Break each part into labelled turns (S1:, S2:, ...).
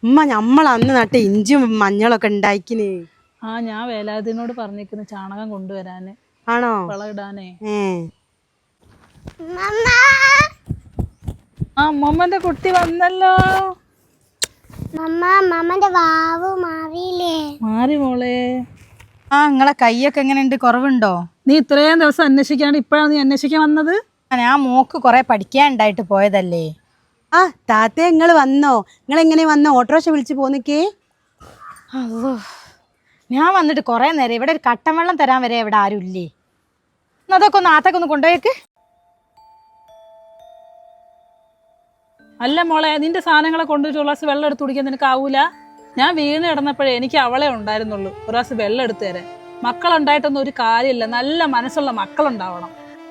S1: ഉമ്മ നമ്മൾ അന്ന് നട്ട ഇഞ്ചും മഞ്ഞളൊക്കെ ഉണ്ടാക്കിന്.
S2: ആ ഞാൻ വേലാതിനോട് പറഞ്ഞിരിക്കുന്നു ചാണകം കൊണ്ടുവരാന്.
S1: ആണോ?
S2: വളമിടാനേ. ആ മമ്മന്റെ കുട്ടി വന്നല്ലോ. മാറി മോളെ.
S1: ആ നിങ്ങളെ കൈയൊക്കെ എങ്ങനെയുണ്ട്? കുറവുണ്ടോ?
S2: നീ ഇത്രയും ദിവസം അന്വേഷിക്കാണ്ട് ഇപ്പഴാണ് നീ അന്വേഷിക്കാൻ വന്നത്?
S1: ഞാൻ മോക്ക് കുറെ പഠിക്കാനുണ്ടായിട്ട് പോയതല്ലേ. ആ താത്ത നിങ്ങൾ വന്നോ? നിങ്ങൾ എങ്ങനെ വന്നോ? ഓട്ടോറിക്ഷ വിളിച്ച് പോന്നിക്കേ?
S3: അല്ലോ, ഞാൻ വന്നിട്ട് കുറേ നേരം. ഇവിടെ ഒരു കട്ടൻ വെള്ളം തരാൻ വരെ ഇവിടെ ആരും ഇല്ലേ? അതൊക്കെ ഒന്ന് ആത്തൊക്കെ ഒന്ന് കൊണ്ടുപോയേക്ക്.
S2: അല്ല മോളെ, നിന്റെ സാധനങ്ങളെ കൊണ്ടുപോയിട്ട് ഒരു ഗ്ലാസ് വെള്ളം എടുത്ത് കുടിക്കാൻ നിനക്ക് ആവൂല? ഞാൻ വീണ് കിടന്നപ്പോഴേ എനിക്ക് അവളെ ഉണ്ടായിരുന്നുള്ളൂ ഒരു ഗ്ലാസ് വെള്ളം എടുത്തു തരാൻ. മക്കളുണ്ടായിട്ടൊന്നും ഒരു കാര്യമില്ല, നല്ല മനസ്സുള്ള മക്കളുണ്ടാവണം.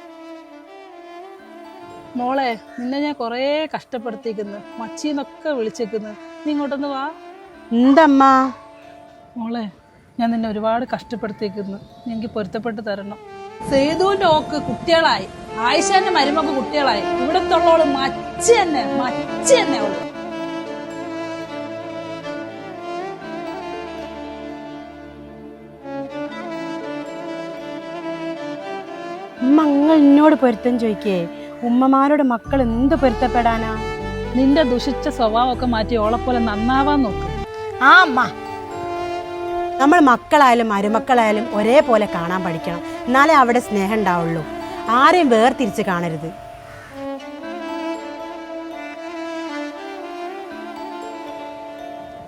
S2: മോളെ, നിന്നെ ഞാൻ കുറേ കഷ്ടപ്പെടുത്തിക്കുന്നു, മച്ചീന്നൊക്കെ വിളിച്ചേക്കുന്നു. നീ ഇങ്ങോട്ടൊന്ന് വാ.
S1: എന്തമ്മ?
S2: മോളെ, ഞാൻ നിന്നെ ഒരുപാട് കഷ്ടപ്പെടുത്തിക്കുന്നു, നീ എനിക്ക് പൊരുത്തപ്പെട്ട് തരണം. സേതുവിന്റെ ഓക്ക് കുട്ടികളായി, ആയിഷാന്റെ മരുമക്ക് കുട്ടികളായി. ഇവിടത്തുള്ളവള് മച്ച തന്നെ അവള്.
S1: ഉമ്മ നിങ്ങൾ എന്നോട് പൊരുത്തം ചോദിക്കേ? ഉമ്മമാരോട് മക്കൾ എന്ത് പൊരുത്തപ്പെടാനാ?
S2: നിന്റെ ദുഷിച്ച സ്വഭാവമൊക്കെ മാറ്റി ഓളെപ്പോലെ നന്നാവാൻ നോക്ക്.
S1: ആ അമ്മ, നമ്മൾ മക്കളായാലും മരുമക്കളായാലും ഒരേപോലെ കാണാൻ പഠിക്കണം. എന്നാലേ അവിടെ സ്നേഹം ഉണ്ടാവുള്ളൂ. ആരെയും വേർതിരിച്ച് കാണരുത്.